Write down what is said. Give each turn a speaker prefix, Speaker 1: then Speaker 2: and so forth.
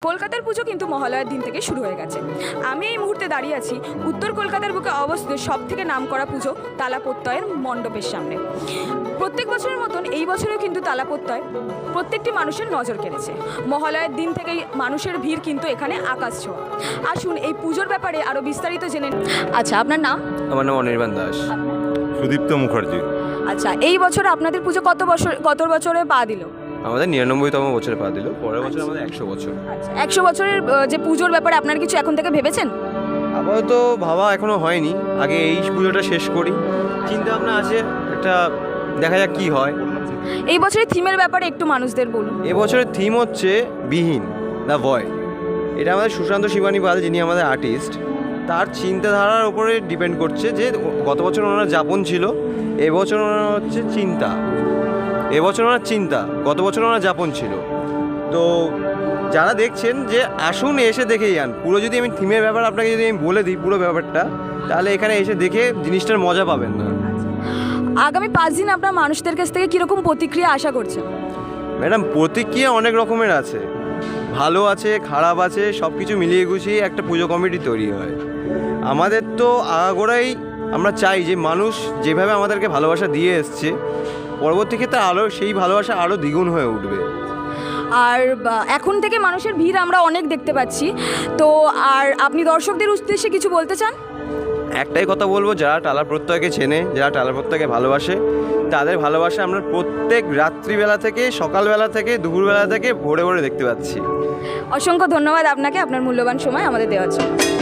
Speaker 1: কলকাতার পুজো কিন্তু মহালয়ার দিন থেকে শুরু হয়ে গেছে। আমি এই মুহূর্তে দাঁড়িয়ে আছি উত্তর কলকাতার বুকে অবস্থিত সবথেকে নামকরা পুজো তালাপত্যয়ের মণ্ডপের সামনে। প্রত্যেক বছরের মতন এই বছরেও কিন্তু তালাপত্যয় প্রত্যেকটি মানুষের নজর কেড়েছে। মহালয়ার দিন থেকেই মানুষের ভিড় কিন্তু এখানে আকাশ ছোঁয়া। আসুন এই পুজোর ব্যাপারে আরও বিস্তারিত জেনে। আচ্ছা, আপনার নাম?
Speaker 2: আমার নাম অনির্বাণ দাস।
Speaker 3: সুদীপ্ত মুখার্জি।
Speaker 1: আচ্ছা, এই বছর আপনাদের পুজো কত বছরে পা দিল?
Speaker 2: আমাদের 99তম বছরে পা দিল, পরের বছর আমাদের 100 বছর।
Speaker 1: আচ্ছা, 100 বছরের যে পুজোর ব্যাপারে আপনার কিছু এখন থেকে ভেবেছেন?
Speaker 2: আপাতত ভাবা এখনো হয়নি, আগে এই পুজোটা শেষ করি, চিন্তা ভাবনা আছে একটা, দেখা যাক কি হয়।
Speaker 1: এই বছরের থিমের ব্যাপারে একটু মানুষদের বলুন।
Speaker 2: এবছরের থিম হচ্ছে বিহীন, দ্য ভয়েড। এটা আমাদের সুশান্ত শিবানী পাল, যিনি আমাদের আর্টিস্ট, তার চিন্তাধারার উপরে ডিপেন্ড করছে যে গত বছর ওনার যাপন ছিল, এবছর ওনার হচ্ছে চিন্তা। এবছর ওনার চিন্তা, গত বছর ওনার যাপন ছিল। তো যারা দেখছেন যে আসুন এসে দেখেই যান। পুরো যদি আমি থিমের ব্যাপার আপনাকে যদি আমি বলে দিই পুরো ব্যাপারটা, তাহলে এখানে এসে দেখে জিনিসটার মজা পাবেন না।
Speaker 1: আগামী 5 দিন আপনার মানুষদের কাছ থেকে কীরকম প্রতিক্রিয়া আশা করছেন?
Speaker 2: ম্যাডাম, প্রতিক্রিয়া অনেক রকমের আছে, ভালো আছে, খারাপ আছে, সব কিছু মিলিয়ে গুছিয়ে একটা পুজো কমিটি তৈরি হয়। আমাদের তো আগাগোড়াই আমরা চাই যে মানুষ যেভাবে আমাদেরকে ভালোবাসা দিয়ে এসছে, পরবর্তী ক্ষেত্রে আরও সেই ভালোবাসা আরও দ্বিগুণ হয়ে উঠবে।
Speaker 1: আর এখন থেকে মানুষের ভিড় আমরা অনেক দেখতে পাচ্ছি, তো আর আপনি দর্শকদের উদ্দেশ্যে কিছু বলতে চান?
Speaker 2: একটাই কথা বলবো, যারা টালা প্রত্যয়কে চেনে, যারা টালা প্রত্যয়কে ভালোবাসে, তাদের ভালোবাসা আমরা প্রত্যেক রাত্রিবেলা থেকে, সকালবেলা থেকে, দুপুরবেলা থেকে ভোরে ভোরে দেখতে পাচ্ছি।
Speaker 1: অসংখ্য ধন্যবাদ আপনাকে আপনার মূল্যবান সময় আমাদের দেওয়ার জন্য।